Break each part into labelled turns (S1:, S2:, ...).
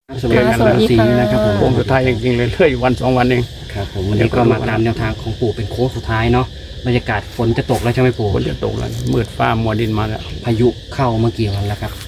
S1: สวัสดีครับ
S2: สวัสดีค่ะ
S1: นะครับผม
S3: โค้งสุดท้ายจริงๆเลยเหลืออยู่วัน2 วันเอง
S1: ครับผมวันนี้ก็มาตามแนวทางของปู่เป็นโค้งสุดท้ายเนาะบรรยากาศฝนจะตกแล้วใช่ไหมปู่
S3: ฝนจะตกแล้วมืดฟ้ามัวดินมาแล้ว
S1: พายุเข้าเมื่อกี่วันแล้วครับ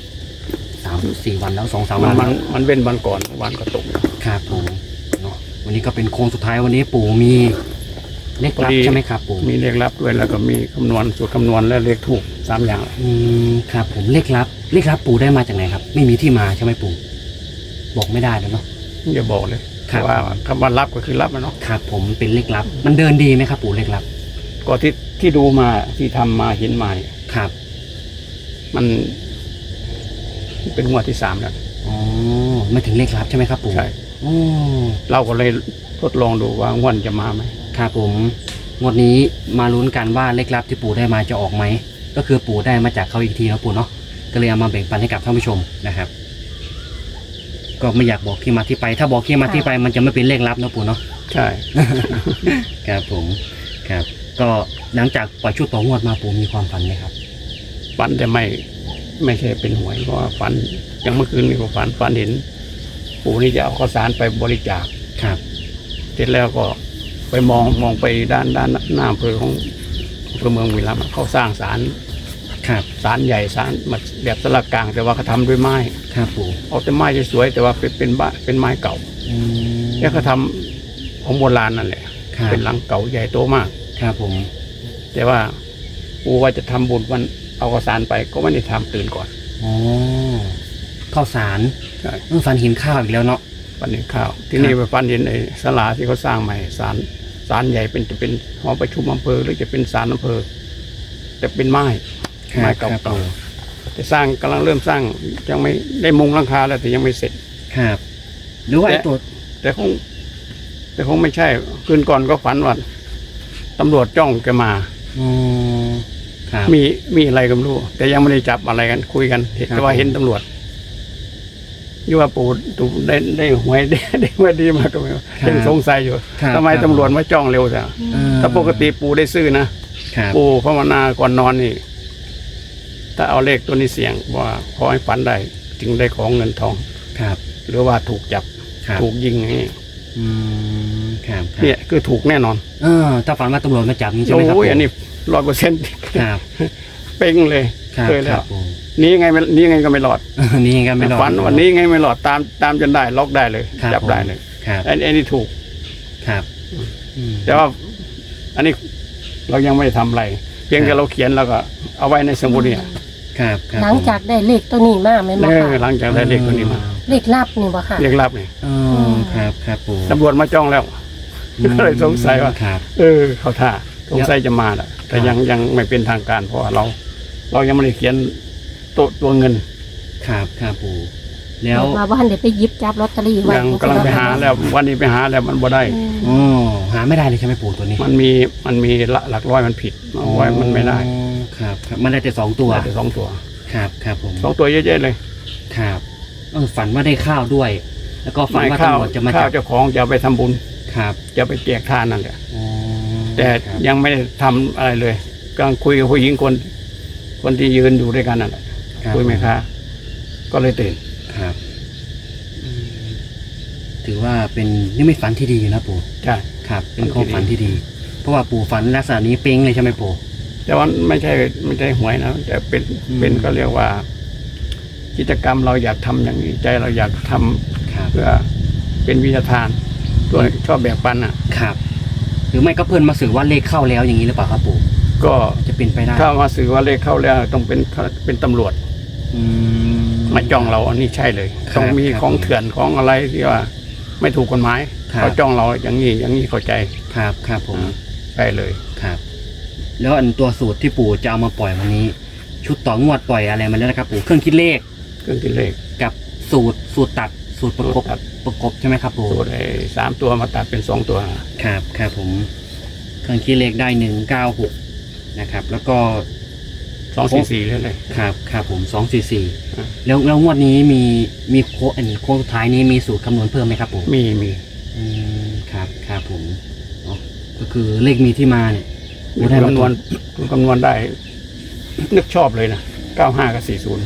S1: 3-4 วันแล้ว2-3
S3: มั
S1: วัน นแล้ว
S3: มันเว้นวันก่อนวันก็ตก
S1: ครับผมเนาะวันนี้ก็เป็นโค้งสุดท้ายวันนี้ปู่มีเลขลับใช่ไหมครับปู่
S3: มีเลขลับด้วยแล้วก็มีคำนวณสูตรคำนวณและเลขถูก3 อย่าง
S1: ครับผมเลขลับปู่ได้มาจากไหนครับไม่มีที่มาใช่ไหมปู่บอกไม่ได้แล้วเนาะ
S3: อย่าบอกเลย
S1: ครับ
S3: ว่าคำว่าลับก็คือลับนะเนาะ
S1: ครับผมเป็นเลขลับมันเดินดีไหมครับปู่เลขลับ
S3: ก็ที่ดูมาที่ทำมาเห็นมาเนี่ย
S1: ครับ
S3: มันเป็นงวดที่3แล้ว
S1: อ๋อไม่ถึงเลขลับใช่ไหมครับปู่
S3: ใช่
S1: อ๋อ
S3: เราก็เลยทดลองดูว่างวดจะมาไหม
S1: ครับผมงวดนี้มาลุ้นกันว่าเลขลับที่ปู่ได้มาจะออกไหมก็คือปู่ได้มาจากเขาอีกทีนะปู่เนาะก็เลยเอามาแบ่งปันให้กับท่านผู้ชมนะครับ ก็ไม่อยากบอกที่มาที่ไป ถ้าบอกที่มาที่ไปมันจะไม่เป็นเลขลับนะปู่เนาะ
S3: ใช่
S1: ครับผมครับ ก็หลังจากปล่อยชุดต่องวดมาปู่มีความฝันไหมครับ
S3: ฝันแต่ไม่ใช่เป็นหวยเพราะว่าฝันอย่างเมื่อคืนนี่ก็ฝันเห็น ปู่นี่จะเอาข้าวสารไปบริจาค
S1: ครับ
S3: เสร็จแล้วก็ไปมองไปด้านหน้าอำเภอของอำเภอเมืองบุรีรัมย์เขาสร้างศาล
S1: ครับ
S3: ศาลใหญ่ศาลแบบสลักกลาง แต่ว่าเขาทำด้วยไม้
S1: ครับปู่
S3: เอาแต่ไม้สวยๆแต่ว่าเป็นไม้เก่า
S1: อืม
S3: แล้วเขาทำของโบราณนั่นแหละ
S1: ครับ
S3: เป็นหลังเก่าใหญ่โตมาก
S1: ครับผม
S3: แต่ว่าปู่ว่าจะทำบุญวันเอาข้าวสารไปก็ไม่ได้ทำตื่นก่อน
S1: อ๋อข้าวสาร
S3: ใช่
S1: ฝันเห็นข้าวอีกแล้วเนาะ
S3: ฝันเห็นข้าว ที่นี่ไปฝันเห็นไอ้ศาลาที่เขาสร้างใหม่ศาลใหญ่จะเป็นหอประชุมอำเภอหรือจะเป็นศาลอำเภอแต่เป็นไม้ ไม้เก่า
S1: ครับปู่
S3: ๆแต่กำลังเริ่มสร้างยังไม่ได้มุงหลังคาแล้วแต่ยังไม่เสร็จ
S1: ครับ หรือว่าไอ้ตัว
S3: แต่คงไม่ใช่คืนก่อนก็ฝันว่าตำรวจจ้องแกมา
S1: อ๋อครับ
S3: มีอะไรก็ไม่รู้แต่ยังไม่ได้จับอะไรกันคุยกันเห็น
S1: ครับ
S3: แต่ว่าเห็นตำรวจยี่ว่าปู่ได้หวยได้หวยดีมากก็ไม่รู้ยังสงสัยอยู่
S1: ครับ
S3: ทำไมตำรวจมาจ้องเร็วจัง
S1: เออ
S3: ถ้าปกติปู่ได้ซื้อนะครับ ปู่ภาวนาก่อนนอนนี่ถ้าเอาเลขตัวนี้เสี่ยงว่าขอให้ฝันได้จึงได้ของเงินทอง
S1: ครับ
S3: หรือว่าถูกจับ
S1: ครับ
S3: ถูกยิงอย่างนี้
S1: อืมครับครับ
S3: เนี่ยคือถูกแน่นอน
S1: ถ้าฝันว่าตำรวจมาจับนี่ใช่ไหมครับ
S3: โอ้ยอันนี้100%
S1: ครับ
S3: เป้งเลย
S1: ครับ
S3: เคย
S1: ค
S3: แล้
S1: รั
S3: ว
S1: บผม
S3: นี้ยังไงก็ไม่รอด
S1: นี่กันไม่รอด
S3: ฝันวันนี้ไงไม่รอดตามจนได้ล็อกได้เลย
S1: ครับ
S3: จับได้เลย
S1: ครับ
S3: ไอ้นี่ถูก
S1: ครับ
S3: แต่ว่า อันนี้เรายังไม่ได้ทำอะไร เพียงแต่เราเขียนแล้วก็เอาไว้ในสมุดเนี่ย
S1: ครับครับ
S2: หลังจากได้เลขตัวนี้มาไหมนบ่
S3: เออ
S2: ค่ะ
S3: หลังจากได้เลขตัวนี้มา
S2: เลขลับนี่บ่ค่ะ
S3: เรียกรับนี่
S1: อ๋อครับครับปู่
S3: ตำรวจมาจ้องแล้ว ก็เลยสงสัยว่า
S1: ครับ
S3: เขาท่าสงสัยจะมาแหละแต่
S1: ครับ
S3: ยังไม่เป็นทางการ เพราะว่าเรายังไม่ได้เขียนตัวเงิน
S1: ครับครับปู่แล้ว
S2: ว่าบ้านเดี๋ยวไปหยิบจับลอตเตอรี่ไว้
S3: ยังกำลังไปหาแล้ว วันนี้ไปหาแล้วมันบ่ได้
S2: อืม
S1: อ๋อหาไม่ได้เลยใช่ไหมปู่ตัวนี้
S3: มันมีหลักร้อยมันผิดเอาไว้มันไม่ได้
S1: อ๋อครับครับมันได้แต่2 ตัว
S3: ได้แต่2 ตัว
S1: ครับครับผม
S3: 2 ตัวเยอะๆเลย
S1: ครับฝันว่าได้ข้าวด้วย แล้วก็ฝันว่า
S3: ข้าว
S1: ตำรวจจะมา
S3: ข้า
S1: จั
S3: ว
S1: บ
S3: เจ้าของจะเอาไปทำบุญ
S1: ครับ
S3: จะไปแจกทานนั่นแหละ
S1: อ๋อ
S3: แต่
S1: ครับ
S3: ยังไม่ได้ทำอะไรเลยกำลังคุยกับผู้หญิงคนที่ยืนอยู่ด้วยกันนั่นแหละ
S1: รับ
S3: คุยไหมคะก็เลยตื่น
S1: ครับอืมถือว่าเป็นนิมิตฝันที่ดีนะปู่
S3: ใช่
S1: ครับ เป็น
S3: ฝันที่
S1: ความฝันที่ดี เพราะว่าปู่ฝันลักษณะนี้เป้งเลยใช่ไหมปู่
S3: แต่ว่าไม่ใช่หวยนะแต่เป็น
S1: อืม
S3: เป็นก็เรียกว่า กิจกรรมเราอยากทำอย่างนี้ใจเราอยากทำ
S1: ครับ
S3: เพื่อเป็นวิทยาทานตัวชอบแบ่งปันอ่ะ
S1: ครับ หรือไม่ก็เพื่อนมาสื่อว่าเลขเข้าแล้วอย่างนี้หรือเปล่าครับปู่
S3: ก็
S1: จะเป็นไปได้
S3: ถ้ามาสื่อว่าเลขเข้าแล้วต้องเป็นตำรวจ
S1: อืม
S3: มาจ้องเราอันนี้ใช่เลย
S1: ครับ
S3: ต้องมี
S1: ครับ
S3: ของเถื่อนของอะไรที่ว่า ไม่ถูกกฎหมาย
S1: ครับ
S3: เขาจ้องเราอย่างนี้เข้าใจ
S1: ครับครับผม
S3: ใช่เลย
S1: ครับ แล้วอันตัวสูตรที่ปู่จะเอามาปล่อยวันนี้ ชุดต่องวดปล่อยอะไรมาแล้วนะครับปู่เครื่องคิดเลข
S3: เครื่องคิดเลข
S1: กับสูตรตัดสูตรประกบ
S3: สูตรตัด
S1: ประกบใช่ไหมครับปู่
S3: สูตร3 ตัวมาตัดเป็น2 ตัว
S1: ครับครับผมเครื่องคิดเลขได้196นะครับ แล้วก็
S3: 2 4 4เลย
S1: ครับครับผม244
S3: อ่า
S1: แล้วงวดนี้มีโค้งสุดท้ายนี้มีสูตรคำนวณเพิ่มไหมครับปู่
S3: มี
S1: ครับครับผมเนาะก็คือเลขมีที่มาเนี่ย
S3: มี
S1: ได้มา
S3: คำนวณได้ นึกชอบเลยนะ95 กับ 40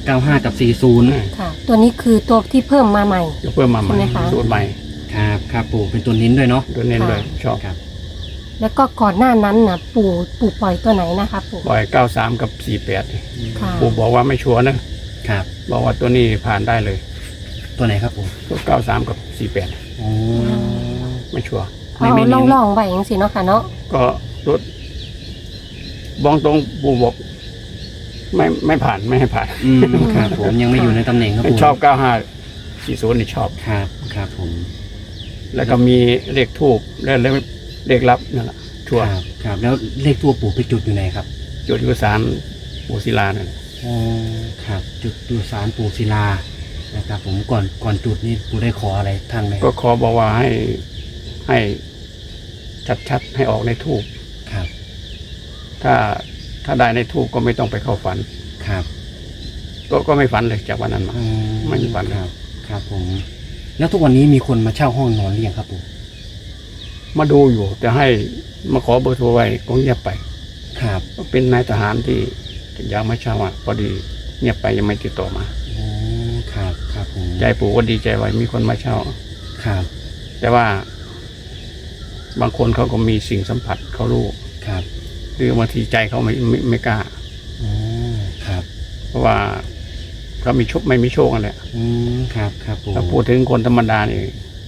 S1: 95กับ40
S2: ค่ะ ตัวนี้คือตัวที่เพิ่มมาใหม่
S3: จะเพิ่มมาใหม่
S2: ใช่ไหมคะ
S3: สูตรใหม่
S1: ครับครับปู่เป็นตัวนิ้นด้วยเนาะ
S3: ตัวเน้นเลยชอบ
S1: ครับ
S2: แล้วก็ก่อนหน้านั้นนะปู่ปล่อยตัวไหนนะคะปู่
S3: บ่อย93กับ48
S2: ค่ะ
S3: ปู่บอกว่าไม่ชัวร์นะครับ บอกว่าตัวนี้ผ่านได้เลย
S1: ตัวไหนครับปู่
S3: ตัว93กับ48
S1: อ๋อ
S3: ไม่ชัวร์
S2: เอา
S1: ไม่เน้น
S2: ล่องๆไว้อย่างสิเนาะค่ะเนาะ
S3: ก็รถบองตรงปู่บอกไม่ผ่านไม่ให้ผ่าน
S1: อืมครับผมยังไม่อยู่ในตำแหน่งครับปู่
S3: ชอบ95 40นี่ชอบ
S1: ครับครับผม
S3: แล้วก็มีเลขทูบและเลขลับนั่นแหละชัวร์
S1: ครับครับแล้วเลขตัวปู่ไปจุดอยู่ไหนครับ
S3: จุดยุสารปู่ศิลานั่น
S1: อ๋อครับจุดดูสารปู่ศิลานะครับผมก่อนจุดนี่ปู่ได้ขออะไรท่านไหม
S3: ก็ขอบอกว่าให้ชัดๆให้ออกในทูบ
S1: ครับ
S3: ถ้าได้ในทูบก็ไม่ต้องไปเข้าฝัน
S1: ครับ
S3: ก็ไม่ฝันเลยจากวันนั้นมา
S1: อื
S3: ไม่มีฝัน
S1: ครับครับผม แล้วทุกวันนี้มีคนมาเช่าห้องนอนหรือยังครับปู่
S3: มาดูอยู่แต่ให้มาขอเบอร์โทรไว้ก็เงียบไป
S1: ครับ
S3: ก็เป็นนายทหารที่อยากมาเช่าอ่ะพอดีเงียบไปยังไม่ติดต่อมา
S1: อ๋อครับครับผม
S3: ใจปู่ก็ดีใจไว้มีคนมาเช่า
S1: ครับ
S3: แต่ว่า บางคนเขาก็มีสิ่งสัมผัสเขารู้
S1: ครับ
S3: หรือบางทีใจเขาไม่กล้า
S1: อ๋อครับ
S3: เพราะว่าเขามีโชคไม่มีโชคกันแหละ
S1: อืมครับครับปู่
S3: ถ้าพูดถึงคนธรรมดานี่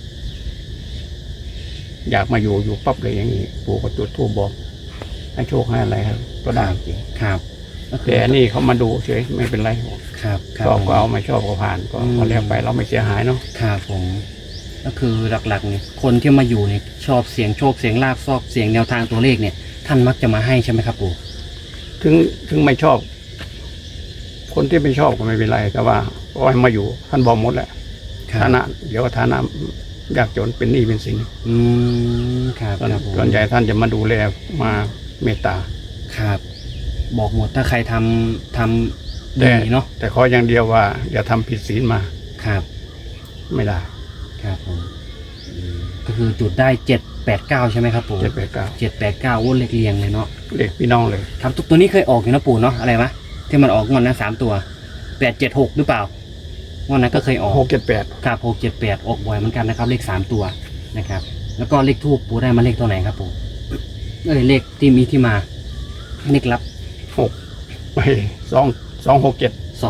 S3: อยากมาอยู่ปั๊บเลยอย่างนี้ปู่ก็จุดธูปบอก ให้โชคให้อะไรครับก็ได้จริง
S1: ครับก็คือ
S3: แต่อันนี่เขามาดูเฉยไม่เป็นไร
S1: ครับครั
S3: ชอบ
S1: ผม
S3: ก็เอาไม่ชอบก็ผ่านก็
S1: อืม
S3: พอแล้วไปเราไม่เสียหายเนาะ
S1: ครับผม ก็คือหลักๆเนี่ยคนที่มาอยู่เนี่ยชอบเสียงโชคเสียงลาบชอบเสียงแนวทางตัวเลขเนี่ย ท่านมักจะมาให้ใช่ไหมครับปู่
S3: ถึงไม่ชอบ คนที่ไม่ชอบก็ไม่เป็นไร แต่ว่าก็ให้มาอยู่ ท่านบอกหมดแหละ
S1: ครับ
S3: ฐานะ เดี๋ยวฐานะยากจนเป็นหนี้เป็นสิน
S1: อืมครับครับผม
S3: ส่วนใหญ่ท่านจะมาดูแลมาเมตตา
S1: ครับ บอกหมดถ้าใครทำ
S3: แต่
S1: ดีเนาะ
S3: แต่ขออย่างเดียวว่า อย่าทำผิดศีลมา
S1: ครับ
S3: ไม่ได้
S1: ครับผมก็คือจุดได้789ใช่ไหมครับปู่
S3: 789
S1: 789อ้วนเลขเรียงเลยเนาะ
S3: เด็กพี่น้องเลย
S1: ครับตัวนี้เคยออกอยู่นะปู่เนาะอะไรวะที่มันออกงอนนะ3ตัว876หรือเปล่างอนนั้นก็เคยออก
S3: 678
S1: ครับ678ออกบ่อยเหมือนกันนะครับ เลข3ตัวนะครับ แล้วก็เลขทูปปู่ได้มาเลขตัวไหนครับปู่เลขที่มีที่มาเลขลับ
S3: 6ไป267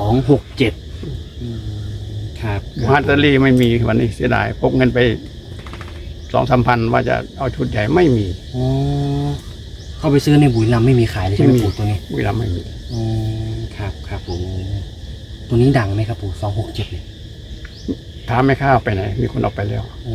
S1: 267ครับ
S3: ฮัตเตอรี่ไม่มีวันนี้เสียดายพกเงินไป2-3 พันว่าจะเอาชุดใหญ่ไม่มี
S1: อ๋อเข้าไปซื้อในบุรีรัมย์ไม่มีขายเลยใช่ไหม
S3: ไม่มี
S1: ปู่ตัวนี้
S3: เวลาไม่มี
S1: อ๋อครับครับปู่ตัวนี้ดังไหมครับปู่267เนี่ย
S3: ถามไม่ข้าวไปไหน มีคนเอาไปแล้ว
S1: อ๋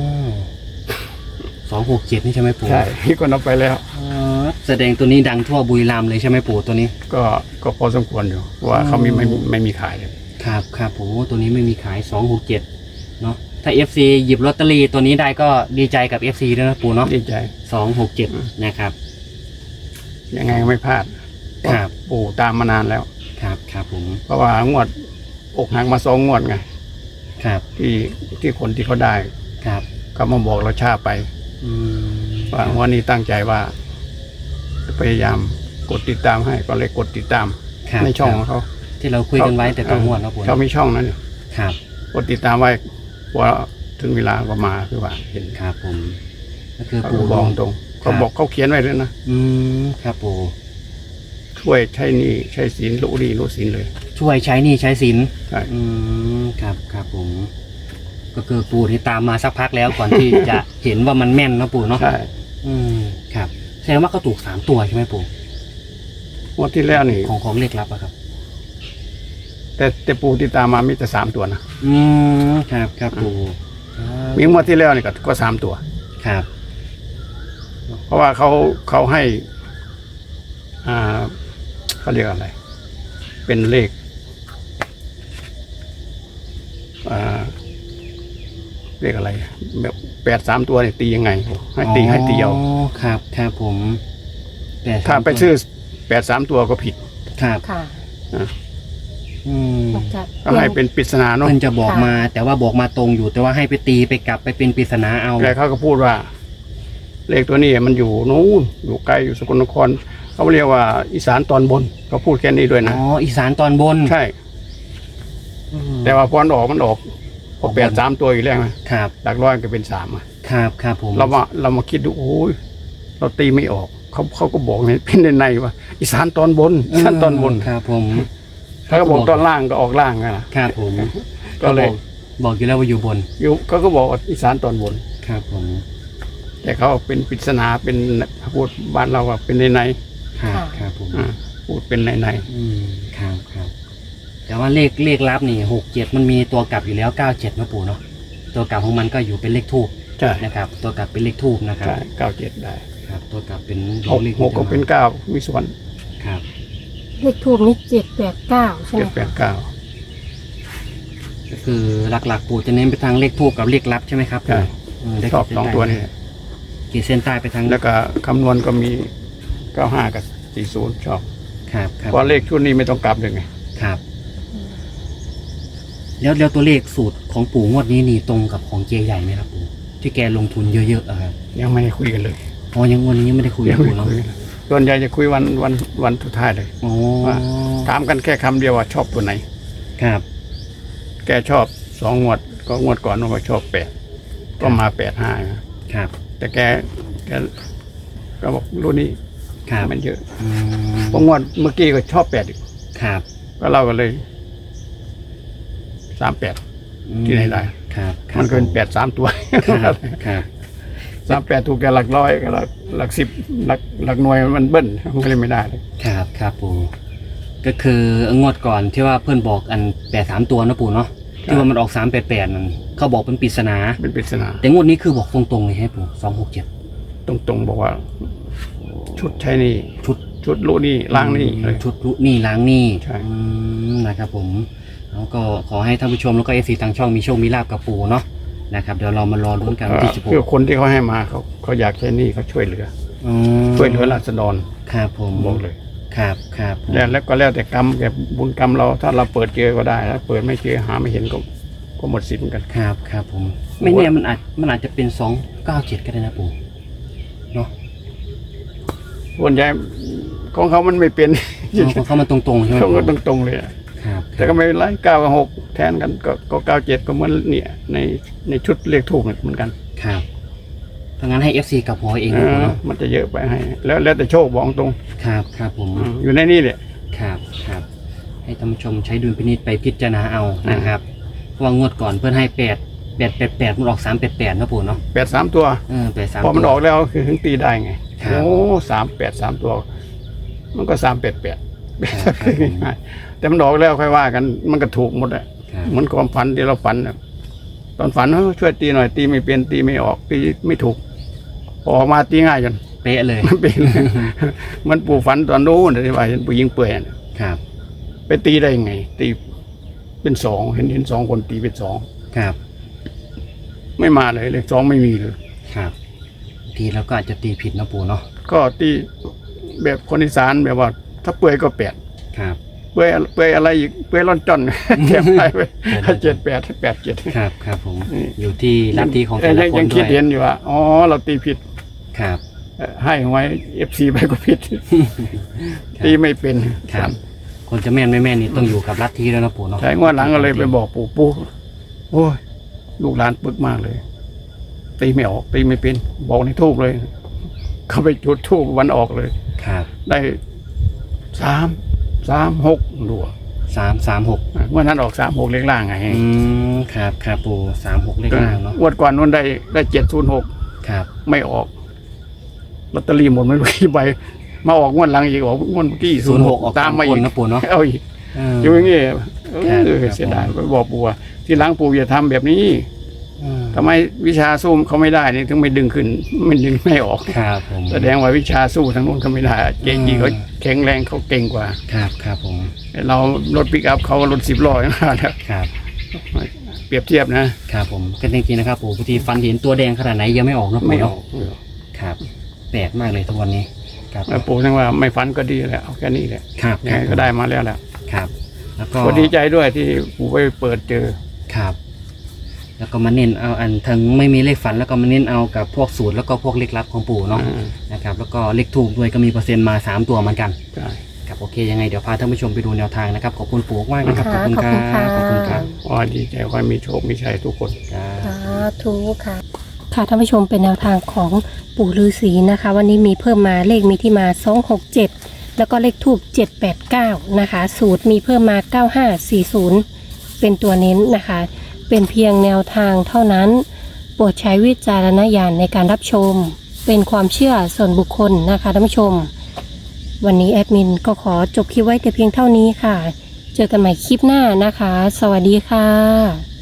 S1: อ267นี่ใช่ไหมปู่
S3: ใช่ มีคนเอาไปแล้ว
S1: อ๋อแสดงตัวนี้ดังทั่วบุรีรัมย์เลยใช่ไหมปู่ตัวนี้
S3: ก็พอสมควรอยู่เพราะว่าเขาไม่มีขายเลย
S1: ครับครับผมตัวนี้ไม่มีขาย267เนาะถ้า FC หยิบลอตเตอรี่ตัวนี้ได้ก็ดีใจกับ FC ด้วยนะปู่เนาะ
S3: ดีใจ
S1: 267นะครับ
S3: ยังไงก็ไม่พลาด
S1: ครับ
S3: ปู่ตามมานานแล้ว
S1: ครับครับผม
S3: เพราะว่างวดอกหักมา2 งวดไง
S1: ครับ
S3: ที่คนที่เขาได้
S1: ครับ
S3: เขามาบอกเราช้าไป
S1: อืม
S3: ว่างวันนี้ตั้งใจว่าจะพยายามกดติดตามให้ก็เลยกดติดตาม
S1: ครับ
S3: ในช่อง
S1: ค
S3: ข
S1: รั
S3: อบ งเขา
S1: ที่เราคุยกันไว้แต่ตัวงวดเนาะปู่
S3: เขามีช่องนั้น
S1: ครับ
S3: กดติดตามไว้พอถึงเวลาก็มาคือว่าเห็น
S1: ครับผมก็คือ
S3: เขา
S1: ปู่
S3: บอกตรงเขาบอกเขาเขียนไว้เลยนะ
S1: อืมครับปู่
S3: ช่วยใช้หนี้ใช้ศีลรู้ดีรู้ศีลเลย
S1: ช่วยใช้หนี่ใช้สิน
S3: ใช่
S1: อืมครับครับผม ก็คือปู่ที่ตามมาสักพักแล้วก่อนที่ จะเห็นว่ามันแม่นเนาะปู่เนาะ
S3: ใช่
S1: อืมครับแสดงว่าเขาถูก3ตัวใช่ไหมปู่
S3: งวดที่แล้วนี่
S1: ของเลขลับอะครับ
S3: แต่ปู่ที่ตามมามีแต่3 ตัวนะ
S1: อืมครับครับปู่ครับ
S3: มีงวดที่แล้วนี่ก็3 ตัว
S1: ครับ
S3: เพราะว่าเขาให้เขาเรียกอะไร เป็นเลขเลขอะไรแบบ8-3 ตัวเนี่ยตียังไงให้ตีเอา
S1: อ๋อครับครับผมแต่
S3: ถ้าไปซื้อ8-3 ตัวก็ผิด
S1: ครับ
S2: ค่ะ
S1: อืม
S2: มันจะ
S3: ก็ให้เป็นปริศนาเนาะ
S1: เพิ่นจะบอกมา แต่ว่าบอกมาตรงอยู่แต่ว่าให้ไปตีไปกลับไปเป็นปริศนาเอา
S3: แล้วเขาก็พูดว่า เลขตัวนี้มันอยู่นู้นอยู่ไกลอยู่สกลนครเขาเรียกว่าอีสานตอนบนเขาพูดแค่นี้ด้วยนะ
S1: อ๋ออีสานตอนบน
S3: ใช่แต่ว่าพอมันออกพอ8 3ตัวอยู่แล้วนะครับหลักร้อยก็เป็น3อ่ะ
S1: ครับผม
S3: เรามาคิดดูโอ้ยเราตีไม่ออกเขาก็บอกเนี่ยเป็นในว่าอีสานตอนบนอีสานตอนบน
S1: ครับผม
S3: ถ้าก็บอกตอนล่างก็ออกล่างนะครับ
S1: ผม
S3: ก็เลย
S1: บอกอยู่แล้วว่าอยู่บน
S3: อยู่เขาก็บอกว่าอีสานตอนบน
S1: ครับผม
S3: แต่เขาเป็นปริศนาเป็นพูดบ้านเราว่าเป็นใน
S1: ครับผม
S3: พูดเป็นใน
S1: ครับแต่ว่าเลขลับนี่67มันมีตัวกลับอยู่แล้ว97นะปู่เนาะตัวกลับของมันก็อยู่เป็นเลขทูบ
S3: ใช่
S1: นะครับตัวกลับเป็นเลขทูบนะครับ
S3: ใช่97ได้
S1: ครับตัวกลับเป็น
S3: 6 6ก็เป็น9มีส่วน
S1: ครับ
S2: เลขทูบนี่789ใช่ไหม
S3: 7 8 9
S1: ก็คือหลักๆปู่จะเน้นไปทางเลขทูบกับเลขลับใช่ไหมครับ
S3: ใช่
S1: ได้
S3: ชอบ2ตัวนี้
S1: ขีดเส้นใต้ไปทาง
S3: แล้วก็คำนวณก็มี95กับ40ชอบ
S1: ครับ
S3: เพราะเลขชุดนี้ไม่ต้องกลับเลยไง
S1: ครับแล้วตัวเลขสูตรของปู่งวดนี้นี่ตรงกับของเจใหญ่ไหมครับปู่ที่แกลงทุนเยอะๆอะครับ
S3: ยังไม่ได้คุยกันเลย
S1: อ๋อยังวันนี้ยังไม่ได้คุย
S3: ยั
S1: กับ
S3: ไม่
S1: ปู่
S3: ได้
S1: เนาะ
S3: คุยกันส่วนใหญ่จะคุยวันสุดท้ายเลย
S1: อ๋อ
S3: ว่าถามกันแค่คำเดียวว่าชอบตัวไหน
S1: ครับ
S3: แกชอบ2 งวดก็งวดก่อนว่าชอบ8ก็มา85นะครับ แต่แกก็บอกรุ่นนี้
S1: ครับ
S3: มันเยอะ
S1: อืม
S3: เพราะงวดเมื่อกี้ก็ชอบ8อีก
S1: ครับ
S3: ก็เล่ากันเลย38ที่ไหนได้
S1: ครับ
S3: มันก็เป็น8 3ตัว
S1: ครับครับ
S3: 38ถูกแต่หลักร้อยกับหลัก10หลักหน่วยมันเบิ้ลมันก็เลยไม่ได้เลย
S1: ครับปู่ก็คืองวดก่อนที่ว่าเพื่อนบอกอัน83ตัวนะปู่เนาะที่ว่ามันออก388นั่นเขาบอกเป็นปริศนา
S3: เป็นปริศนา
S1: แต่งวดนี้คือบอกตรงๆเลยให้ปู่267
S3: ตรงๆบอกว่า ชุดใช้นี่ ชุดรู้นี่ล้างนี่เลย
S1: ชุดลุนี่ล้างนี่
S3: ใช่
S1: นะครับผมแล้วก็ขอให้ท่านผู้ชมแล้วก็เอฟซีทางช่องมีโชคมีลาบกับปู่เนาะนะครับเดี๋ยวเรามารอลุ้นกันวันที่16
S3: คือคนที่เขาให้มาเขาอยากใช้นี่เขาช่วยเหลือ
S1: อืม
S3: ช่วยเหลือราษฎร
S1: ครับผม
S3: บอกเลย
S1: ครับผม
S3: แล้วก็แล้วแต่กรรมแกบุญกรรมเราถ้าเราเปิดเจอก็ได้ถ้าเปิดไม่เจอหาไม่เห็นก็หมดสิทธิ์เหมือนกัน
S1: ครับผมไม่แน่มันอาจจะเป็น297ก็ได้นะปู่เนาะ
S3: ส่วนใหญ่ของเขามันไม่เป็น
S1: ของเขามาตรงๆใช่ไหม
S3: เขา
S1: ปู่
S3: ก็ตรงๆเลยอะ
S1: ครับ
S3: แต่ก็ไม่เป็นไร9 กับ 6แทนกันก็97ก็เหมือนเนี่ยในชุดเลขทูบเหมือนกัน
S1: ครับถ้างั้นให้ FC กับหัวเองนะปู่เนาะ
S3: มันจะเยอะไปให้ แล้วแต่โชคบอกตรง
S1: ครับผม
S3: อยู่ในนี่แหละ
S1: ครับให้ท่านผู้ชมใช้ดุลพินิจไปพิจารณาเอานะครับเพราะว่างวดก่อนเพื่อนให้8มันออก388นะปู่เนาะ
S3: 83ตัว
S1: 83
S3: พอมันออกแล้วคือถึงตีได้ไง
S1: ครับ
S3: โอ้38 3ตัว มันก็388แต่มันออกแล้วค่อยว่ากันมันก็ถูกหมดอะ
S1: ครับ
S3: เหมือนความฝันที่เราฝันน่ะตอนฝันช่วยตีหน่อยตีไม่เป็นตีไม่ออกตีไม่ถูกพอออกมาตีง่ายจน
S1: เป๊ะเลย
S3: มันเป็น มันปู่ฝันตอนนู้นที่ว่าเห็นผู้หญิงเปื่อยน่ะ
S1: ครับ
S3: ไปตีได้ยังไง ตีเป็น2เห็น2คนตีเป็น2
S1: ครับ
S3: ไม่มาเลยเลข2ไม่มีเลย
S1: ครับทีแล้วก็อาจจะตีผิดนะปู่เนาะ
S3: ก็ตีแบบคนอีสานแบบว่า ถ้าเปื่อยก็8
S1: ครับ
S3: เปื่อยอะไรอีกเปื่อยร่อนจ้อน แถมไป78
S1: ครับผม
S3: นี่
S1: อยู่ที่ลัทธิของแต่ละคน
S3: ยัง
S1: ด้
S3: คิ
S1: ว
S3: ด
S1: ย
S3: เห็นอยู่ว่าอ๋อเราตีผิด
S1: ครับ
S3: ให้ไว้ FC ไปก็ผิด ตีไม่เป็น
S1: ครับคนจะแม่นไม่แม่นนี่ต้องอยู่กับลัทธิแล้วนะปู่เนาะ
S3: ใช่งวดหลังก็เลยไปบอกปู่โอ้ยลูกหลานปึกมากเลย ตีไม่ออกตีไม่เป็น บอกในทูบเลย เขาไปจุดทูบวันออกเลย
S1: ครับ
S3: ได้3 6รัว
S1: 336
S3: งวดนั้นออก3 6เลขล่างไง
S1: ครับปู่36เลขล่างเนาะ
S3: งวดก่อนนู้นได้706
S1: ครับ
S3: ไม่ออกลอตเตอรี่หมดไม่รู้กี่ใบมาออกงวดหลังอีกออกงวดเมื่อกี้
S1: 06ออก
S3: ตามมาอีก
S1: นะปู่เนาะ
S3: เอาอีก
S1: เออ
S3: อยู่อย่างงี้
S1: ครับ
S3: เสียดายไปบอกปู่ว่าที่หลังปู่อย่าทำแบบนี้
S1: เออ
S3: ทำไมวิชาสู้เขาไม่ได้นี่ถึงไม่ดึงขึ้นมันดึงไม่ออก
S1: ครับผม
S3: แสดงว่าวิชาสู้ทางนู้นเขาไม่ได้เก่งเขาแข็งแรงเขาเก่งกว่า
S1: ครับผม
S3: เรารถปิกอัพเขารถ10 ล้อนะครับ
S1: ครับ
S3: เปรียบเทียบนะครับ
S1: ผมก็จริงๆนะครับปู่บางทีฟันเห็นตัวแดงขนาดไหนยังไม่ออกนะ
S3: ไม่
S1: ปู่
S3: อ
S1: เนาะ
S3: อก
S1: ครับแปลกมากเลยทุกวันนี้ครับ
S3: แล้วปู่ทั้งว่าไม่ฝันก็ดีแหละเอาแค่นี้แหละ
S1: ครับ
S3: ยังไงก็ได้มาแล้วแหละ
S1: ครับ แล้วก็
S3: ก็ดีใจด้วยที่ปู่ไปเปิดเจอ
S1: ครับ แล้วก็มาเน้นเอาอันทั้งไม่มีเลขฝันแล้วก็มาเน้นเอากับพวกสูตรแล้วก็พวกเลขลับของปู่เนาะนะครับ แล้วก็เลขถูกด้วยก็มีเปอร์เซ็นต์มา3ตัวเหมือนกัน
S3: ใช่
S1: ครับโอเคยังไงเดี๋ยวพาท่านผู้ชมไปดูแนวทางนะครับขอบคุณปู่มากนะครับ
S2: ค่ะ
S1: ขอบคุณครับ
S2: ขอบคุณค่ะ
S1: ขอบคุณครับ
S3: ขอให้ดีใจขอให้มีโชคมีชัยทุกคน
S1: ครับ
S2: สาธุค่ะ ค่ะท่านผู้ชมเป็นแนวทางของปู่ฤาษีนะคะ วันนี้มีเพิ่มมาเลขมีที่มา267แล้วก็เลขทูบ789นะคะสูตรมีเพิ่มมา9540เป็นตัวเน้นนะคะ เป็นเพียงแนวทางเท่านั้นโปรดใช้วิจารณญาณในการรับชมเป็นความเชื่อส่วนบุคคลนะคะท่านผู้ชม วันนี้แอดมินก็ขอจบคลิปไว้แต่เพียงเท่านี้ค่ะ เจอกันใหม่คลิปหน้านะคะ สวัสดีค่ะ